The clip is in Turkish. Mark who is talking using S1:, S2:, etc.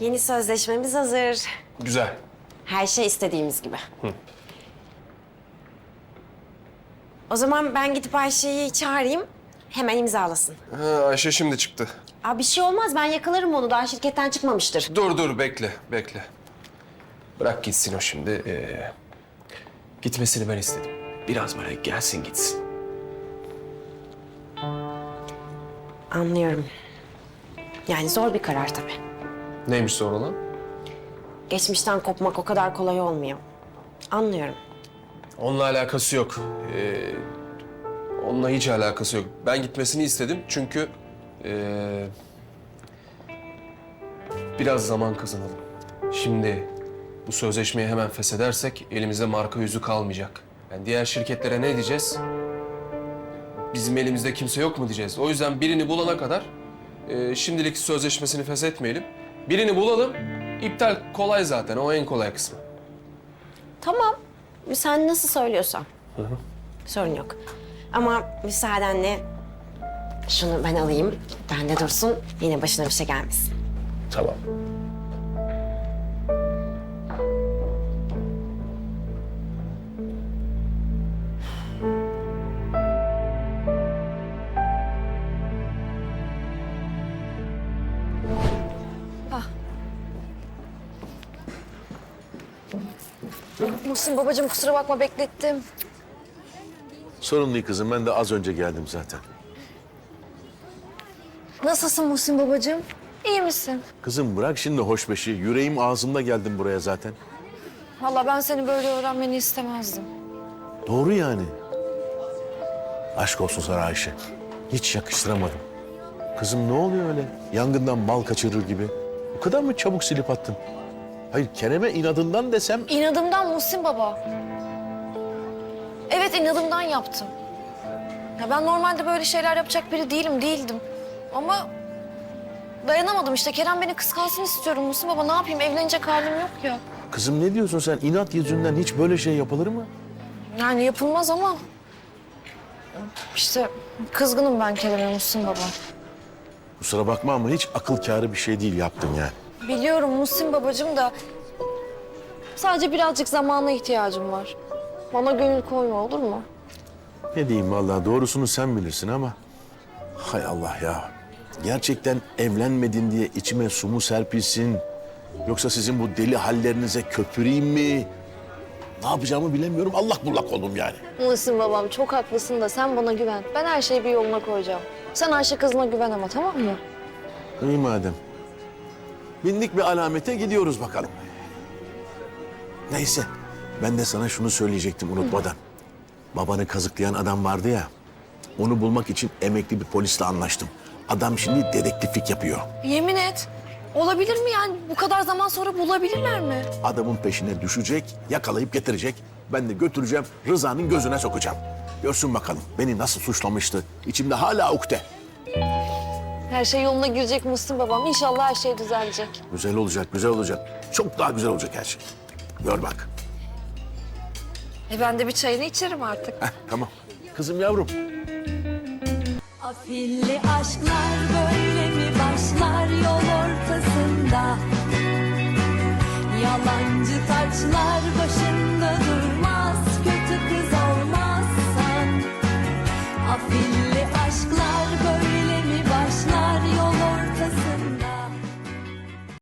S1: Yeni sözleşmemiz hazır.
S2: Güzel.
S1: Her şey istediğimiz gibi. O zaman ben gidip Ayşe'yi çağırayım. Hemen imzalasın.
S2: Ha, Ayşe şimdi çıktı.
S1: Aa, bir şey olmaz. Ben yakalarım onu. Daha şirketten çıkmamıştır.
S2: Dur bekle. Bırak gitsin o şimdi. Gitmesini ben istedim. Biraz böyle gelsin gitsin.
S1: Anlıyorum. Yani zor bir karar tabii.
S2: Neymiş sonra lan?
S1: Geçmişten kopmak o kadar kolay olmuyor. Anlıyorum.
S2: Onunla alakası yok. Onunla hiç alakası yok. Ben gitmesini istedim çünkü... biraz zaman kazanalım. Şimdi bu sözleşmeyi hemen feshedersek elimizde marka yüzü kalmayacak. Yani diğer şirketlere ne diyeceğiz? Bizim elimizde kimse yok mu diyeceğiz. O yüzden birini bulana kadar şimdilik sözleşmesini feshetmeyelim. Birini bulalım. İptal kolay zaten. O en kolay kısmı.
S1: Tamam. Sen nasıl söylüyorsan. Sorun yok. Ama müsaadenle şunu ben alayım. Bende dursun. Yine başına bir şey gelmesin.
S2: Tamam.
S3: Muhsin babacığım kusura bakma beklettim.
S4: Sorun değil kızım. Ben de az önce geldim zaten.
S3: Nasılsın Muhsin babacığım? İyi misin?
S4: Kızım bırak şimdi hoşbeşi. Yüreğim ağzımda geldim buraya zaten.
S3: Vallahi ben seni böyle öğrenmeni istemezdim.
S4: Doğru yani. Aşk olsun sana Ayşe. Hiç yakıştıramadım. Kızım ne oluyor öyle? Yangından bal kaçırır gibi. Bu kadar mı çabuk silip attın? Hayır Kerem'e inadından desem...
S3: İnadımdan Muhsin baba. Evet inadımdan yaptım. Ya ben normalde böyle şeyler yapacak biri değildim. Ama dayanamadım işte. Kerem beni kıskansın istiyorum Muhsin baba. Ne yapayım? Evlenecek halim yok ya.
S4: Kızım ne diyorsun sen? İnat yüzünden hiç böyle şey yapılır mı?
S3: Yani yapılmaz ama... İşte kızgınım ben Kerem'e Muhsin baba.
S4: Kusura bakma ama hiç akıl kârı bir şey değil yaptın yani.
S3: Biliyorum Muhsin babacığım da... Sadece birazcık zamana ihtiyacım var. Bana gönül koyma olur mu?
S4: Ne diyeyim vallahi doğrusunu sen bilirsin ama... Hay Allah ya. Gerçekten evlenmedin diye içime su mu serpilsin? Yoksa sizin bu deli hallerinize köpüreyim mi? Ne yapacağımı bilemiyorum. Allak bullak oldum yani.
S3: Muhsin babam çok haklısın da sen bana güven. Ben her şeyi bir yoluna koyacağım. Sen Ayşe kızına güven ama tamam mı?
S4: İyi madem. Bindik bir alamete gidiyoruz bakalım. Neyse. Ben de sana şunu söyleyecektim unutmadan. Babanı kazıklayan adam vardı ya. Onu bulmak için emekli bir polisle anlaştım. Adam şimdi dedektiflik yapıyor.
S3: Yemin et. Olabilir mi yani? Bu kadar zaman sonra bulabilirler mi?
S4: Adamın peşine düşecek, yakalayıp getirecek. Ben de götüreceğim, Rıza'nın gözüne sokacağım. Görsün bakalım beni nasıl suçlamıştı. İçimde hala ukde.
S3: Her şey yoluna girecek Muhsin babam. İnşallah her şey düzelecek.
S4: Güzel olacak, güzel olacak. Çok daha güzel olacak her şey. Gör bak.
S3: Ben de bir çayını içerim artık.
S4: Heh, tamam. Kızım yavrum.
S5: Afilli aşklar böyle mi başlar yol ortasında? Yalancı taçlar